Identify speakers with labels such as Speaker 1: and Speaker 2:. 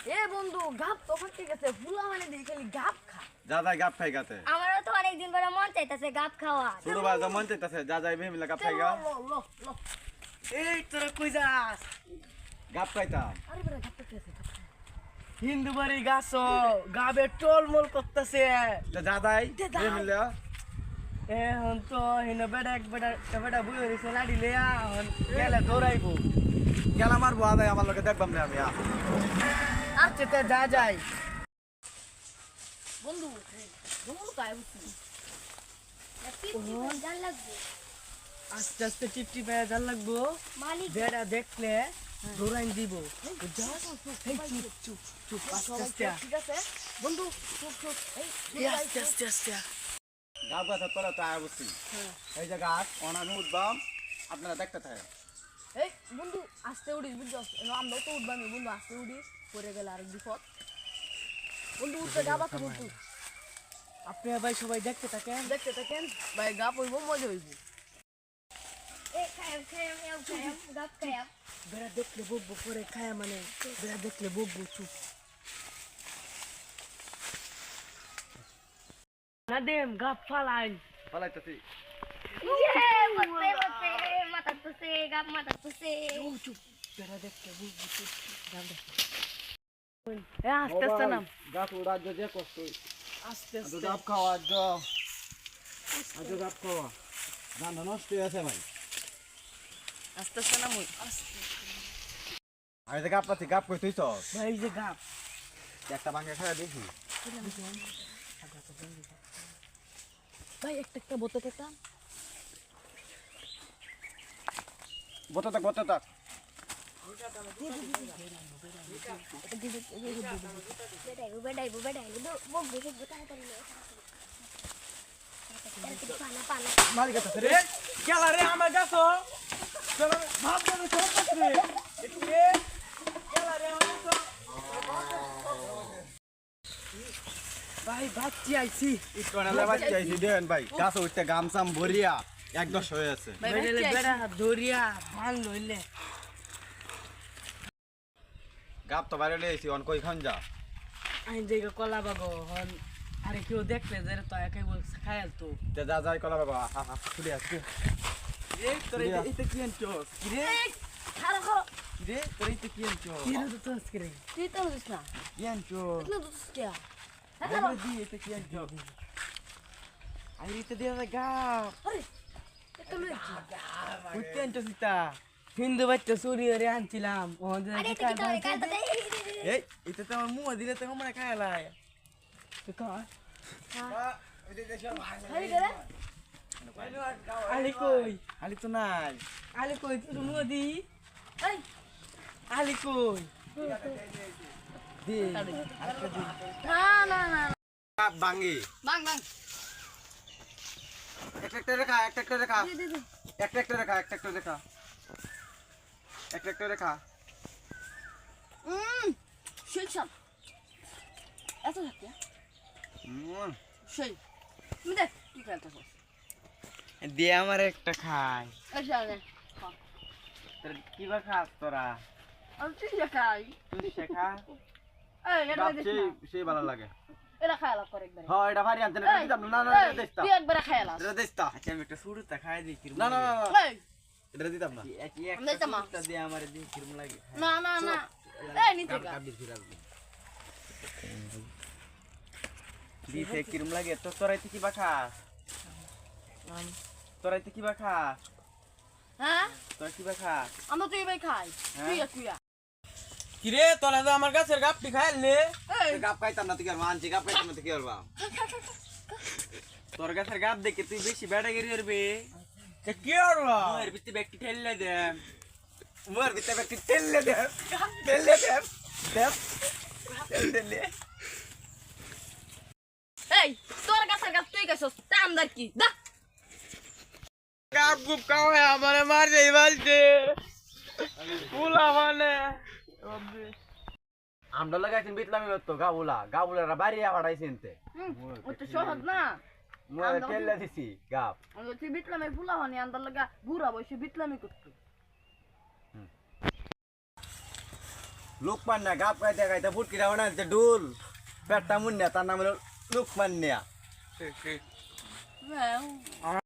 Speaker 1: এ বন্ধু গাপ তো ঠিক আছে ফুলা মানে দেখি খালি গাপ খা
Speaker 2: যা যাই গাপ খাই গাতে
Speaker 3: আমারও তো অনেকদিন পরে মন চাইতেছে গাপ খাওয়া।
Speaker 2: ছোট ভাই মন চাইতাছে যা যাই মিলে গাপ খাই গা
Speaker 1: লো
Speaker 4: এই তোরা কই যাস?
Speaker 2: গাপ খাইতাম
Speaker 1: আরে বড় গাপ তো আছে
Speaker 4: হিন্দু বাড়ি গাছ গাবে টলমল করতেছে।
Speaker 2: যা যাই মিলে
Speaker 4: এখন তো হিনো বেটা এক বেটা বুই হইছে লাড়ি লিয়া এখন গেলে দৌড়াইবো।
Speaker 2: গেলা মারবো আদাই আমার লগে দেখবাম না আমি
Speaker 4: আচ্ছা তে যা যাই।
Speaker 1: বন্ধু বন্ধু কায় বুঝছি
Speaker 3: জান লাগবে
Speaker 4: আস্তে আস্তে টিপটি পায়ে জাল লাগবো।
Speaker 3: মালিক
Speaker 4: বেটা দেখলে দৌড়াইন দিব। এই চুপ চুপ আস্তে আস্তে
Speaker 1: ঠিক আছে বন্ধু চুপ চুপ এই
Speaker 4: আস্তে আস্তে আস্তে
Speaker 2: গাপ গাছ তোরা তো আয় বুঝছি এই যে গাছ অনামি উঠবাম আপনারা দেখতে থাকেন
Speaker 1: এই বন্ধু আস্তে উড়িস বুঝছো আমরা তো উঠবামি বন্ধু আস্তে উড়িস পরে গেলে আরেক বিপদ বন্ধু উঠতে গাবা তো বন্ধু
Speaker 4: আপনি ভাই সবাই দেখতে থাকেন।
Speaker 1: দেখতে থাকেন ভাই গাপ হইব মজা হইব
Speaker 3: এ খায়াম গাপ খায়াম
Speaker 4: বেড়া দেখলে বকবো পরে খায়া মানে বেড়া দেখলে বকবো চুপ না দেম গাপ ফালাইন
Speaker 2: পালাইতেছি
Speaker 3: ইয়ে বসে বসে মাথা তুসে গাপ মাথা তুসে
Speaker 4: চুপ বেড়া দেখলে বকবো চুপ গাপ দেখ এ আস্তে আস্তে নাম
Speaker 2: গাছ উড়ার যে কষ্ট
Speaker 4: আস্তে
Speaker 2: আজ
Speaker 4: আস্তে
Speaker 2: গাপ খাওয়া আজ গাপ খাওয়া গান নষ্ট হয়ে আছে ভাই
Speaker 4: আস্তে আস্তে নাম আস্তে
Speaker 2: আমি যে গাপ পাচ্ছি গাপ কই তুই তো
Speaker 4: ভাই এই যে গাপ
Speaker 2: একটা ভাঙে খাওয়া দেখি
Speaker 1: ভাই একটা বোতল একটা
Speaker 2: বতো থাক বতো থাক
Speaker 3: বেডাইবো বকবো তাড়াতাড়ি পানা পানা
Speaker 2: মারি গেছে রে
Speaker 4: কেলা রে আমার গাছ ভাব দেবে সব রে একটু রে কেলা রে আমার গাছ ভাই বাচ্চি আইছি
Speaker 2: একটু আনালে বাচ্চা আইছি দেন ভাই গাছ উঠতে গামছাম ভরিয়া একদম হয়ে আছে
Speaker 4: বেড়ে বেড়া দরিয়া মান লইলে
Speaker 2: গাপ তো বাইরে লইছি অন কই খান যা
Speaker 4: আইন জায়গা কলা বাগো হন আরে কেউ দেখলে যে তো একাই বল খায়াল তো
Speaker 2: তে যা যাই কলা বাবা হা হা চলে আসছে
Speaker 4: এই তোর এটা কি আনছস কি রে
Speaker 1: খারা খারা
Speaker 4: কি রে তোর এটা কি আনছস কি রে তো আজকে রে
Speaker 1: তুই তো বুঝিস না
Speaker 4: কি আনছস
Speaker 1: তুই তো বুঝিস কে
Speaker 4: দেখো দি এটা কি আনছস আরে এটা দিয়া গাপ
Speaker 1: আরে এটা লই
Speaker 4: উঠতে আনছস এটা হিন্দু বাচ্চা চুরি করে আনছিলাম ওখান
Speaker 3: আরে
Speaker 4: থেকে
Speaker 3: এটা কি করে কাল তো
Speaker 4: এই এটা তো আমার মুখ দিলে তো আমরা খাইলাই তো কা
Speaker 1: খালি করে
Speaker 4: আলি কই আলি তো নাই আলি কই তুই মুখ দি
Speaker 1: এই
Speaker 4: আলি কই দি আরেকটা দি
Speaker 1: না
Speaker 2: গাপ ভাঙি
Speaker 1: বাং বাং
Speaker 2: একটা রেখা একটা রেখা
Speaker 1: দে
Speaker 2: একটা রেখা একটা রেখা একটা রেখা
Speaker 1: সেই সব এত থাকে সেই তুমি দেখ কি খেলতেছ
Speaker 4: দে আমার একটা খাই
Speaker 1: এই সামনে
Speaker 4: তোর কি বা খাস তোরা
Speaker 1: আমি তুই দেখাই
Speaker 4: তুই শেখা
Speaker 1: এই এটা
Speaker 2: গাপ
Speaker 1: দেখ
Speaker 2: সেই
Speaker 1: না
Speaker 2: সেই ভালো লাগে
Speaker 1: এটা খাইলা করে একবার
Speaker 2: হ্যাঁ এটা ভারী আনতে না
Speaker 1: এই,
Speaker 2: দিতাম না না
Speaker 1: এই,
Speaker 2: দেস্তা
Speaker 1: তুই একবার খাইলা
Speaker 2: এটা দেস্তা
Speaker 4: আচ্ছা আমি একটা শুরুতে খাই দিই কিরম
Speaker 2: না না
Speaker 4: লাগে।
Speaker 1: এই
Speaker 2: এটা দিতাম না
Speaker 1: আমি দিতাম না।
Speaker 4: একটা দিয়ে আমার দিই কিরম লাগে
Speaker 1: না এই নিতে গা
Speaker 4: দিতে কিরম লাগে তো তোরাইতে কি বা খাস তোরাইতে কি বা খাস
Speaker 1: হ্যাঁ
Speaker 4: তোরা কি বা খাস
Speaker 1: আমরা তুই ভাই খাই
Speaker 4: হ্যাঁ?
Speaker 1: তুই
Speaker 4: কিরে তোরা তো আমার গাছের গাপটি খাইলে
Speaker 1: এই
Speaker 2: গাপ খাইতাম না তুই আর মানছি গাপ খাইতাম না তুই কি করবা
Speaker 4: তোর গাছের গাপ দেখে তুই বেশি বেড়া গেরি করবি কি করবা এর ভিতরে ব্যক্তি ঠেললে দে
Speaker 2: মোর ভিতরে ব্যক্তি তেললে দে তেললে
Speaker 1: এই তোর কাছে গাছ তুই গেছস তা আমদার কি দা
Speaker 4: গাপ গুপ খাওয়ায় আমারে মার যাই বলছে পুলা মানে
Speaker 2: আমরা লাগাইছেন বিটলামি তো গাবুলারা বাড়ি আড়াইছেন তে
Speaker 1: ওটা সহজ না
Speaker 2: মোর তেললে দিছি গাপ
Speaker 1: আমরা তুই বিটলামে ফুলা হনি আন্দার লাগা বুড়া বসে বিটলামি করতো
Speaker 2: লোকমান্যা গাপ গাইতে গাইতে ফুটকিটা বানাইছে ডুল পেটটা মুন্যা তার নাম হলো লোকমান্যা
Speaker 1: হ্যাঁ